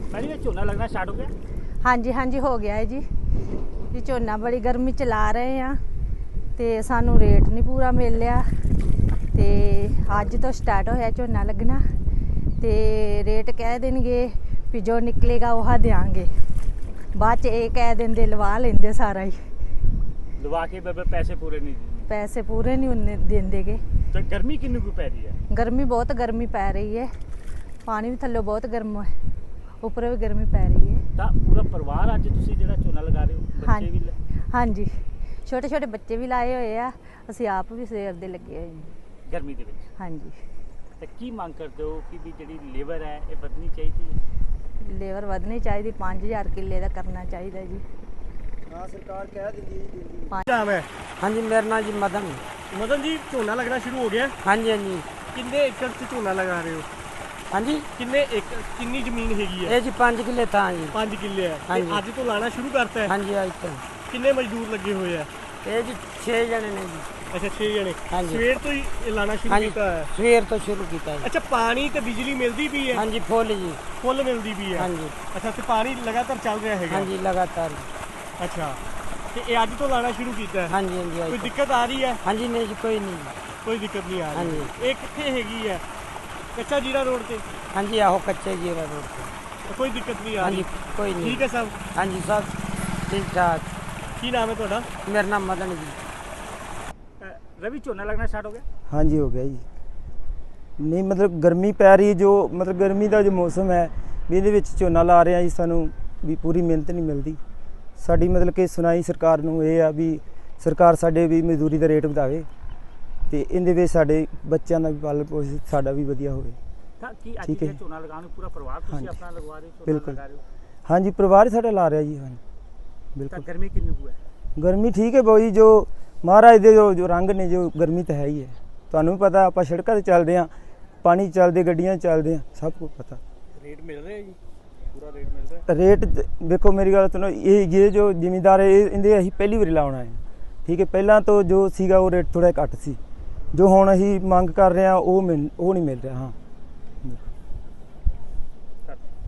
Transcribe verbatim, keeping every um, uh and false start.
Madam ये झोना लगना start हो गया? हाँ जी हाँ जी हो गया है जी जी झोना बड़ी गर्मी च ला रहे हैं तो सानू रेट नहीं पूरा मिल रहा तो अज तो स्टार्ट होया झोना लगना तो रेट कह देंगे भी जो निकलेगा वह देंगे बाद च ये कह देंगे लवा लेंगे सारा ही लवा के पैसे पूरे नहीं पैसे पूरे नहीं देंगे गे। तो गर्मी कितनी को पै रही है? गर्मी बहुत गर्मी पै रही है, पानी भी थल्ले बहुत गर्म है, ऊपर भी गर्मी पै रही है। ਤਾਂ ਪੂਰਾ ਪਰਿਵਾਰ ਅੱਜ ਤੁਸੀਂ ਜਿਹੜਾ ਝੋਨਾ ਲਗਾ ਰਹੇ ਹੋ ਬੱਚੇ ਵੀ हाँ जी छोटे छोटे बच्चे भी लाए हुए आ, ਅਸੀਂ ਆਪ ਵੀ ਸਵੇਰ ਦੇ ਲੱਗੇ ਹੋਏ ਹਾਂ ਗਰਮੀ ਦੇ ਵਿੱਚ। हाँ जी ਤੇ ਕੀ ਮੰਗ ਕਰਦੇ ਹੋ ਕਿ ਵੀ ਜਿਹੜੀ ਲੇਬਰ ਹੈ ਇਹ ਵਧਣੀ ਚਾਹੀਦੀ ਹੈ? ਲੇਬਰ ਵਧਣੀ ਚਾਹੀਦੀ, पाँच हज़ार किले ਦਾ ਕਰਨਾ ਚਾਹੀਦਾ ਜੀ। हाँ सरकार कह दी जी। ਨਾਮ ਹੈ? हाँ जी मेरा नाम जी मदन। ਮਦਨ ਜੀ ਝੋਨਾ ਲੱਗਣਾ ਸ਼ੁਰੂ ਹੋ ਗਿਆ? हाँ जी हाँ जी। ਕਿੰਨੇ ਏਕੜ 'ਚ ਝੋਨਾ ਲਗਾ ਰਹੇ ਹੋ? हाँ जी ਕਿੰਨੇ ਏਕੜ ਕਿੰਨੀ ਜ਼ਮੀਨ ਹੈਗੀ ਹੈ? ये जी पाँच किले था जी। ਪੰਜ ਕਿੱਲੇ ਹੈ ਹਾਂਜੀ। ਤੇ ਅੱਜ ਤੋਂ ਲਾਣਾ ਸ਼ੁਰੂ ਕਰਤਾ ਹੈ? हाँ जी आज तो ਕਿੰਨੇ ਮਜ਼ਦੂਰ ਲੱਗੇ ਹੋਏ ਆ? ये जी छः जने ने जी। ਅੱਛਾ ਛੇ ਜਣੇ। ਹਾਂਜੀ। ਸਵੇਰ ਤੋਂ ਹੀ ਇਹ ਲਾਣਾ ਸ਼ੁਰੂ हाँ जी ਕੀਤਾ ਹੈ? सवेर तो शुरू किया है। ਅੱਛਾ ਪਾਣੀ ਤੇ ਬਿਜਲੀ ਮਿਲਦੀ ਵੀ ਹੈ? हाँ जी फुल जी। ਫੁੱਲ ਮਿਲਦੀ ਵੀ ਹੈ? हाँ जी ਅੱਛਾ ਤੇ ਪਾਣੀ ਲਗਾਤਾਰ ਚੱਲ ਰਿਹਾ ਹੈਗਾ? हाँ जी लगातार। ਅੱਛਾ ਤੇ ਇਹ ਅੱਜ ਤੋਂ ਲਾਣਾ ਸ਼ੁਰੂ ਕੀਤਾ ਹੈ? हाँ जी हाँ जी ਕੋਈ आज तो। ਦਿੱਕਤ ਆ ਰਹੀ ਹੈ? हाँ जी नहीं जी कोई नहीं जी। ਕੋਈ ਦਿੱਕਤ ਨਹੀਂ ਆ ਰਹੀ। ਹਾਂਜੀ। ਇਹ ਕਿੱਥੇ ਹੈਗੀ ਹੈ? ਕੱਚਾ ਜੀਰਾ ਰੋਡ ਤੇ? हाँ जी आहो कच्चे जीरा रोड पे। ਤਾਂ ਕੋਈ ਦਿੱਕਤ ਨਹੀਂ ਆ हाँ ਰਹੀ? जी कोई नहीं। ਠੀਕ ਹੈ ਸਭ? हाँ जी सब ठीक ठाक। ਕੀ ਨਾਮ ਹੈ ਤੁਹਾਡਾ? मेरा नाम मदन जी। ਰਵੀ ਝੋਨਾ ਲੱਗਣਾ ਸਟਾਰਟ ਹੋ ਗਿਆ? हाँ जी हो गया जी। नहीं मतलब गर्मी पै रही है, जो मतलब गर्मी का जो मौसम है भी ਇਹਦੇ ਵਿੱਚ ਝੋਨਾ ਲਾ ਰਹੇ ਆ ਜੀ, ਸਾਨੂੰ ਵੀ ਪੂਰੀ ਮਿਹਨਤ ਨਹੀਂ ਮਿਲਦੀ। ਸਾਡੀ ਮਤਲਬ ਕਿ ਸੁਣਾਈ ਸਰਕਾਰ ਨੂੰ ਇਹ ਆ ਵੀ ਸਰਕਾਰ ਸਾਡੇ ਵੀ ਮਜ਼ਦੂਰੀ ਦਾ ਰੇਟ ਵਧਾਵੇ ਤੇ ਇਹਦੇ ਵਿੱਚ ਸਾਡੇ ਬੱਚਿਆਂ ਦਾ ਵੀ ਪਾਲਣ ਪੋਸ਼ਣ ਸਾਡਾ ਵੀ ਵਧੀਆ ਹੋਵੇ। ਤਾਂ ਕੀ ਅੱਜ ਠੀਕ ਹੈ ਇਹ ਜੀ। ਝੋਨਾ ਲਗਾਉਣ ਨੂੰ ਪੂਰਾ ਪਰਿਵਾਰ ਤੁਸੀਂ ਹਾਂਜੀ। ਆਪਣਾ ਲਗਵਾ ਰਹੇ ਹੋ? ਝੋਨਾ ਬਿਲਕੁਲ। ਲਗਾ ਰਹੇ ਹੋ? हाँ जी परिवार साਡਾ ਲਾ ਰਿਹਾ ਜੀ। हाँ ਤਾਂ बिल्कुल। ਗਰਮੀ ਕਿੰਨੀ ਕੁ ਹੈ? गर्मी ठीक है ਬਾਊ ਜੀ, ਜੋ ਮਹਾਰਾਜ ਦੇ ਜੋ ਜੋ ਰੰਗ ਨੇ, ਜੋ ਗਰਮੀ ਤਾਂ ਹੈ ਹੀ ਹੈ। ਤੁਹਾਨੂੰ ਵੀ ਪਤਾ ਆਪਾਂ ਸੜਕਾਂ ਤੇ ਚੱਲਦੇ ਹਾਂ, ਪਾਣੀ ਚੱਲਦੇ, ਗੱਡੀਆਂ ਚੱਲਦੇ ਹਾਂ, ਸਭ ਕੁਝ ਪਤਾ। ਰੇਟ ਮਿਲ ਰਿਹਾ ਜੀ? ਪੂਰਾ ਰੇਟ ਮਿਲ ਰਿਹਾ? रेट देखो मेरी गल सुनो, ये ये जो जिमीदार है इनके अं पहली बार लाना है, ठीक है। पहला तो जो सीगा वो रेट थोड़ा घट सी, जो हुण असीं मंग कर रहे हैं वो मिल वो नहीं मिल रहा। हाँ